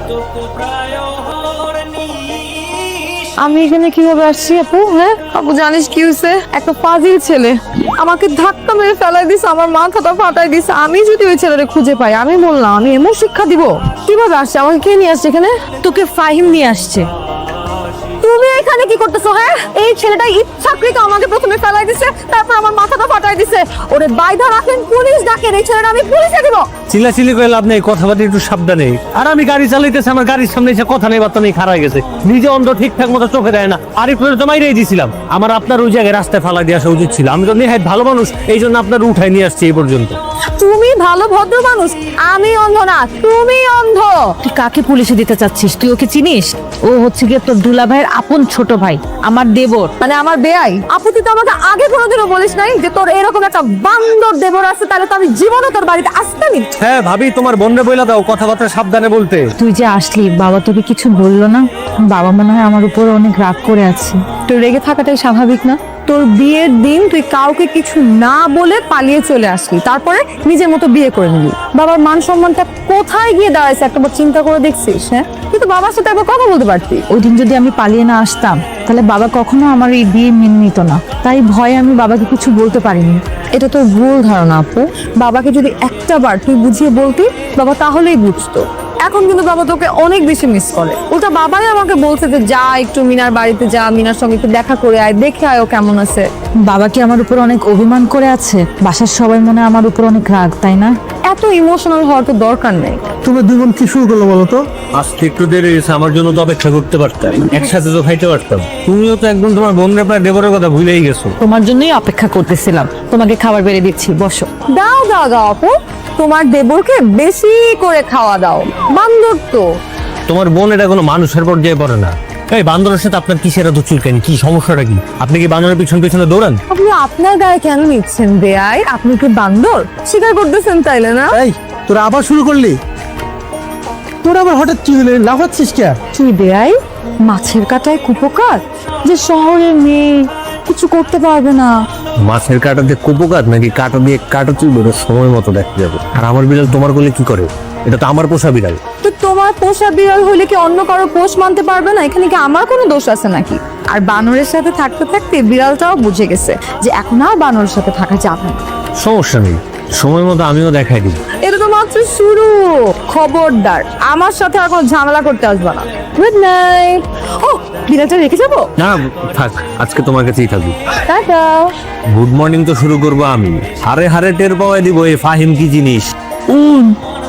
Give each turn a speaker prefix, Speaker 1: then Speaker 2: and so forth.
Speaker 1: আমি এখানে কিভাবে আসছি আপু? হ্যাঁ আপু, জানিস কি হয়েছে? একটা ফাজিল ছেলে আমাকে ধাক্কা মেরে ফেলাই দিছে, আমার মাথাটা ফাটাই দিছে। আমি যদি ওই ছেলেটা খুঁজে পাই, আমি বললাম আমি এমন শিক্ষা দিব। কিভাবে আসছে? আমাকে কে নিয়ে আসছে এখানে? তোকে ফাহিম নিয়ে আসছে। তুমি এখানে কি করতেছো? হ্যাঁ, এই ছেলেটা ইচ্ছাকৃত আমাকে প্রথমে ফেলাই দিছে, তারপর আমার মাথাটা ফাটাই দিছে। ওরে বাইধা রাখেন, পুলিশ ডাকেন, এই ছেলেটা আমি পুলিশে দিব।
Speaker 2: চিল্লাচিল্লি করে লাভ নেই, কথাবার্তা একটু সাবধানে। আর আমি গাড়ি চালাইতেছি, আমার গাড়ির সামনে এসে কথা নেই বার্তা নেই, খারাপ গেছে। নিজে অন্ধ, ঠিকঠাক মতো চোখে দেয় না। আর একটু তো মাইরেই দিয়েছিলাম। আমার আপনার ওই জায়গায় রাস্তায় ফালা দিয়ে আসা উচিত ছিল। আমি তো নিহাত ভালো মানুষ, এই জন্য আপনার উঠাই নিয়ে আসছি এই পর্যন্ত।
Speaker 1: তুমি ভালো ভদ্র মানুষ, আমি অন্ধ না, তুমি অন্ধ।
Speaker 3: তুই কাকে পুলিশে দিতে চাচ্ছিস? তুই ওকে চিনিস? ও হচ্ছে গিয়ে তোর দুলা ভাইয়ের আপন ছোট ভাই, আমার দেবর।
Speaker 1: মানে আমার বেয়াই? আপু তুই তো আমাকে আগে কোনোদিনও বলিস নাই যে তোর এরকম একটা বান্দর দেবর আছে, তাহলে তো আমি জীবনও তোর বাড়িতে আসতামই।
Speaker 2: হ্যাঁ ভাবি, তোমার বোনরে বইলা দাও কথাবার্তা সাবধানে বলতে।
Speaker 3: তুই যে আসলি, বাবা তোকে কিছু বললো না? বাবা মনে হয় আমার উপর অনেক রাগ করে আছে।
Speaker 1: তোর রেগে থাকাটাই স্বাভাবিক না? তোর বিয়ের দিন তুই কাউকে কিছু না বলে পালিয়ে চলে আসলি, তারপরে নিজের মতো বিয়ে করে নিলি। বাবার মান সম্মানটা কোথায় গিয়ে দাঁড়াইছে একটাবার চিন্তা করে দেখছিস? হ্যাঁ, কিন্তু বাবার সাথে একবার কথা বলতে পারতি।
Speaker 3: ওই দিন যদি আমি পালিয়ে না আসতাম, তাহলে বাবা কখনো আমার এই বিয়ে মেনে নিত না। তাই ভয়ে আমি বাবাকে কিছু বলতে পারিনি।
Speaker 1: এটা তো ভুল ধারণা আপু। বাবাকে যদি একটা বার তুই বুঝিয়ে বলতি, বাবা তাহলেই বুঝতো। এখন কিন্তু বাবা তোকে অনেক বেশি মিস করে। ওটা বাবাই আমাকে বলছে যে যা একটু মিনার বাড়িতে যা, মিনার সঙ্গে একটু দেখা করে আয়, দেখে আয় ও কেমন আছে।
Speaker 3: বাবা কি আমার উপর অনেক অভিমান করে আছে? বাসার সবাই মনে হয় আমার উপর অনেক রাগ, তাই না?
Speaker 1: এত ইমোশনাল হওয়ার তো দরকার নেই।
Speaker 4: তুমি দুই বোন কি শুরু করলো বলো তো?
Speaker 2: আজকে একটু দেরি হয়েছে, আমার জন্য তো অপেক্ষা করতে পারতাম, একসাথে তো খাইতে পারতাম। তুমিও তো একদম তোমার বোনরে প্রায় দেবরের কথা ভুলেই গেছো।
Speaker 3: তোমার জন্যই অপেক্ষা করতেছিলাম। তোমাকে খাবার বেড়ে দিচ্ছি, বসো।
Speaker 1: দাও দাও দাও আপু, তোমার দেবরকে বেশি করে খাওয়া দাও। বান্দর তো।
Speaker 2: তোমার বোন এটা কোনো মানুষের পর্যায়ে পড়ে না। এই বান্দরের সাথে আপনার কিসের এত চুলকানি? কি সমস্যাটা কি? আপনি কি বান্দরের পিছন পিছনে দৌড়ান?
Speaker 1: আপনি আপনার গায়ে কেন নিচ্ছেন বেয়াই? আপনি কি বান্দর স্বীকার করতেছেন তাইলে না?
Speaker 4: এই তোরা আবার শুরু করলি? তোরা আবার হঠাৎ কি হলে লাফাচ্ছিস কে?
Speaker 1: কি বেয়াই, মাছের কাটায় কুপোকাত, যে শহরের মেয়ে কিছু করতে পারবে না।
Speaker 2: মাছের কাটা দিয়ে কুপোকাত নাকি কাটা দিয়ে কাটা চুলবে? ওটা সময় মতো দেখা যাবে। আর আমার বিড়াল তোমার কোলে কি করে? এটা তো আমার পোষা বিড়াল।
Speaker 1: তো তোমার পোষা বিড়াল হলে কি অন্য কারো পোষ মানতে পারবে না? এখানে কি আমার কোনো দোষ আছে নাকি? আর বানরের সাথে থাকতে থাকতে বিড়ালটাও বুঝে গেছে যে এখন আর বানরের সাথে থাকা যাবে না।
Speaker 2: সমস্যা নেই, সময় মতো আমিও দেখাই দিই।
Speaker 1: এটা তো মাত্র শুরু। খবরদার আমার সাথে আর কোনো ঝামেলা করতে আসবে না। Good night. ও, বিড়ালটা রেখে যাবো?
Speaker 2: না থাক, আজকে তোমার কাছেই থাকবি।
Speaker 1: টাটা।
Speaker 2: গুড মর্নিং তো শুরু করবো আমি। হারে হারে টের পাওয়াই দিব এই ফাহিম কি জিনিস।